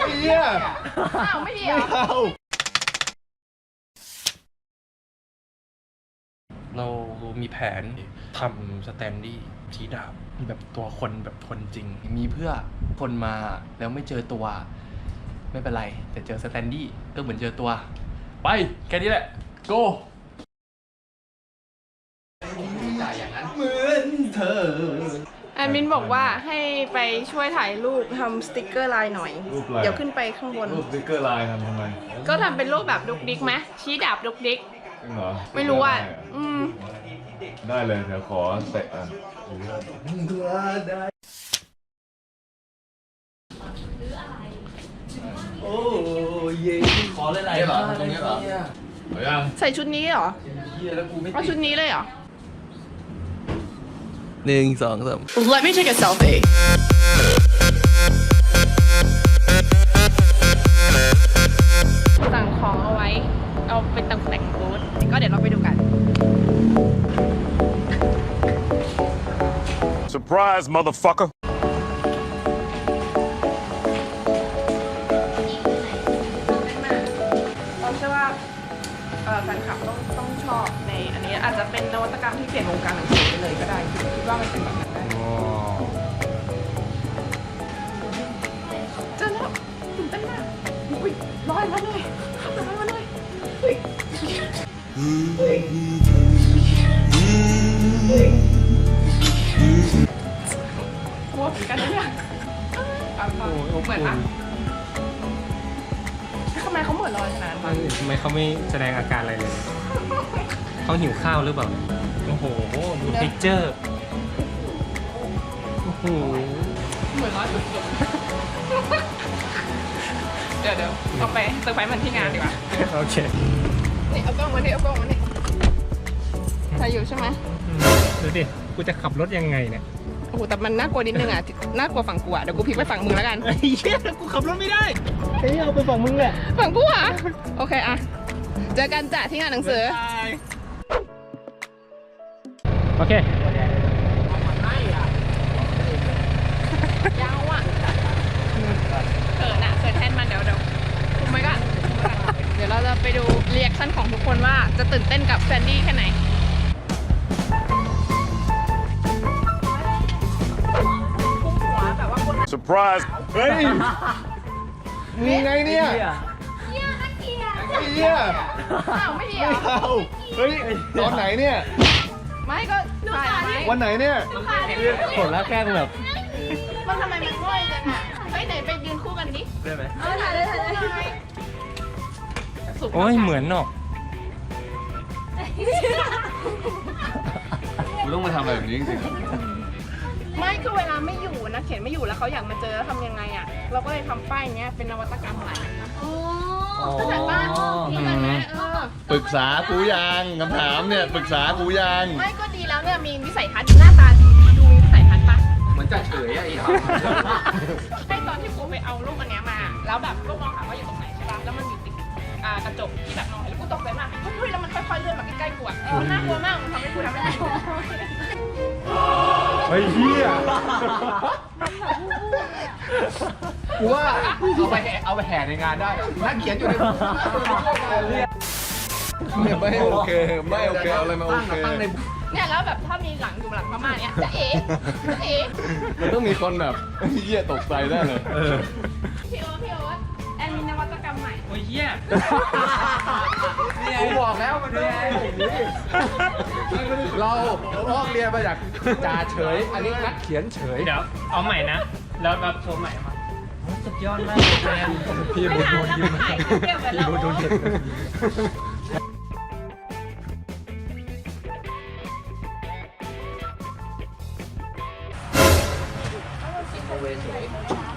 เหี้ยอ้าวไม่ดีเหรอเรามีแผนทำสแตนดี้ชี้ดาบแบบตัวคนแบบคนจริงมีเพื่อคนมาแล้วไม่เจอตัวไม่เป็นไรแต่เจอสแตนดี้ก็เหมือนเจอตัวไปแค่นี้แหละ go เหมือนเธอแอดมินบอกว่าให้ไปช่วยถ่ายรูปทำสติกเกอร์ลายหน่อย เดี๋ยวขึ้นไปข้างบนรูปสติ๊กเกอร์ลายทำไมก็ทำเป็นรูปแบบดุกดิกไหมชี้ดาบดุกดิกจริงเหรอไม่รู้อ่ะได้เลยเดี๋ยวขอเตะอ่ะโอ้เย่ขอเลยๆเหรอตรงนี้เหรอเอายังใส่ชุดนี้เหรอเฮียแล้วกูไม่เอาชุดนี้เลยเหรอ 1 2 3 Let me take a selfie สั่งของเอาไว้ เอาไปตกแต่งบูธก็เดี๋ยวเราไปดูกัน Surprise, motherfucker. เราเชื่อว่าแฟนคลับต้องชอบในอันนี้อาจจะเป็นนวัตกรรมที่เปลี่ยนวงการหนังสือไปเลยก็ได้คิดว่ามันเป็นแบบนั้นได้เจอแล้วตื่นเต้นมากอุ้ยลอยมาเลยลอยมาเลยอุ้ยกลัวเหมือนกันนะเนี่ยเหมือนปะทำไมเขาเหมือนลอยขนาดนั้นทำไมเขาไม่แสดงอาการอะไรเลย เขาหิวข้าวหรือเปล่า โอ้โห ดูเท็กเจอร์ โอ้โหเหมือนร้อยสุดๆเดี๋ยวเอาไปเซอร์ไพรส์มันที่งานดีกว่าโอเคนี่เอากล้องมานี่เอากล้องมานี่ถ่ายอยู่ใช่ไหมดูดิ กูจะขับรถยังไงเนี่ยโอ้โหแต่มันน่ากลัวนิดนึงอ่ะน่ากลัวฝั่งกูอ่ะเดี๋ยวกูพลิกไปฝั่งมึงแล้วกันไอ้เหี้ยกูขับรถไม่ได้เฮ้ยเอาไปฝั่งมึงแหละฝั่งกูอ่ะโอเคอ่ะเจอกันจ้ะที่งานหนังสือโอเคยาวอ่ะเขินแทนมันเดี๋ยวคุมไว้ก่อนเดี๋ยวเราจะไปดูเรีแอคชั่นของทุกคนว่าจะตื่นเต้นกับแซนดี้แค่ไหน Surprise. เฮ้ยมีไงเนี่ยไอ้เหี้ยอ้าวไม่ดีเหรอเอาเฮ้ยตอนไหนเนี่ยไม่ก็ถ่ายไหมวันไหนเนี่ยผลแล้วแกล้งแบบมันทำไมมันง่อยจังอ่ะเฮ้ยไหนไปยืนคู่กันดิได้ไหมเอาถ่ายเลยสุกโอ้ย เหมือนเนาะกูต้องมาทำอะไรแบบนี้จริงๆเหรอไม่คือเวลาไม่อยู่นะเขียนไม่อยู่แล้วเขาอยากมาเจอแล้วทำยังไงอ่ะเราก็เลยทำป้ายเนี้ยเป็นนวัตกรรมใหม่เข้าใจป่ะเข้าใจไหมปรึกษากูยังคำถามเนี่ยปรึกษากูยังไม่ก็ดีแล้วเนี่ยมีวิสัยทัศน์หน้าตาดีดูมีวิสัยทัศน์ปะเหมือนจะเฉยอะไอ้ห่าให้ตอนที่กูไปเอารูปอันเนี้ยมาแล้วแบบก็มองหาว่าอยู่ตรงไหนใช่ป่ะแล้วมันอยู่ติดกระจกที่แบบมองเห็นแล้วกูตกใจมากเฮ้ยแล้วมันค่อยๆเลื่อนมาใกล้ๆกูอ่ะมันน่ากลัวมากมันทำให้กูทำไม่ได้เฮ้ยเหี้ยกูว่าเอาไปแห่ในงานได้นักเขียนอยู่ในเนี่ยไม่โอเคไม่โอเคเอาอะไรมาโอเคเนี่ยแล้วแบบถ้ามีหลังอยู่หลังพม่าเนี่ยจะเอ๋จะเอ๋มันต้องมีคนแบบเหี้ยตกใจได้เลยพี่โอ๊ตแอนมีนวัตกรรมใหม่โอ้ยเหี้ยกูบอกแล้วมันไม่ใช่เราลอกเรียนมาจากจ่าเฉย อันนี้นักเขียนเฉยเดี๋ยวเอาใหม่นะ แล้วรับโชว์ใหม่มาโอ้สุดยอดมากเลยแฟนพี่ไม่บุญทันโดนแล้วยิ้มมันถ่ายเก็บไว้แล้วโดนเห็นเ